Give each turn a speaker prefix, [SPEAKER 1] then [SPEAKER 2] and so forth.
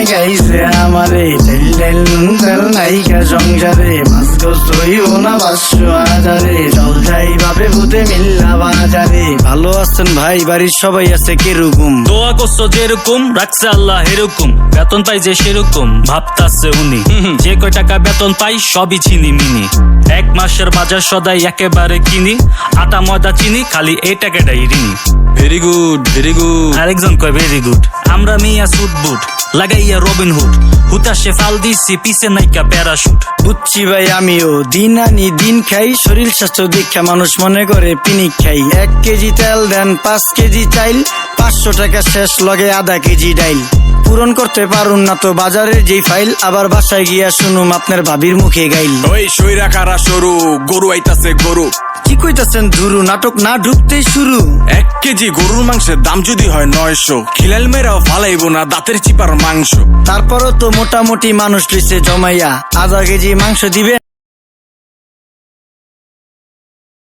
[SPEAKER 1] গাইছে আমারে তেল তেল নুন তেল নাইকা সংসারে মাছ গোস হইব না 500,000 চল যাই ভাবে ভূতে মিল্লা বাজারে। ভালো আছেন ভাই, বাড়ির সবাই আছে কিরকম?
[SPEAKER 2] দোয়া করছো যেরকম রাখছে আল্লাহ এরকম, বেতন পাই যে সেরকম ভাবতাছে উনি। যে কয় টাকা বেতন পাই সবই চিনি মিনি, 1 মাসের বাজার সদাই একেবারে কিনি, আটা ময়দা চিনি খালি এই টাকাটাই ঋণী।
[SPEAKER 3] Very good very good.
[SPEAKER 2] আরেকজন কয় ভেরি গুড। আমরা মিয়া সুট বুট লাগাইয়া রবিন হুড, হুতাশে ফাল দিছি পিছে নাইকা প্যারাশুট।
[SPEAKER 1] বুঝছি ভাই আমিও দিন আনি দিন খাই, শরীর স্বাস্থ্য দীক্ষা মানুষ মনে করে পিনিক খাই। 1 কেজি তেল দেন 5 কেজি চাইল, 500 টাকা শেষ লগে আধা কেজি ডাইল। পূরণ করতে পারুন না তো বাজারের যেই ফাইল, আবার বাসায় গিয়া শুনুম আপনার ভাবির মুখে গাইল।
[SPEAKER 3] ওই সইরা কারা সরু গরু আইতাছে গরু।
[SPEAKER 1] কি কইতাছেন ধুরু, নাটক না ঢুকতেই শুরু।
[SPEAKER 3] 1 কেজি গরুর মাংসের দাম যদি হয় 900, খিলাল মেরাও ফালাইবো না দাঁতের চিপার মাংস।
[SPEAKER 1] তারপরও তো মোটামুটি মানুষ লিছে জমাইয়া, আধা কেজি মাংস দিবে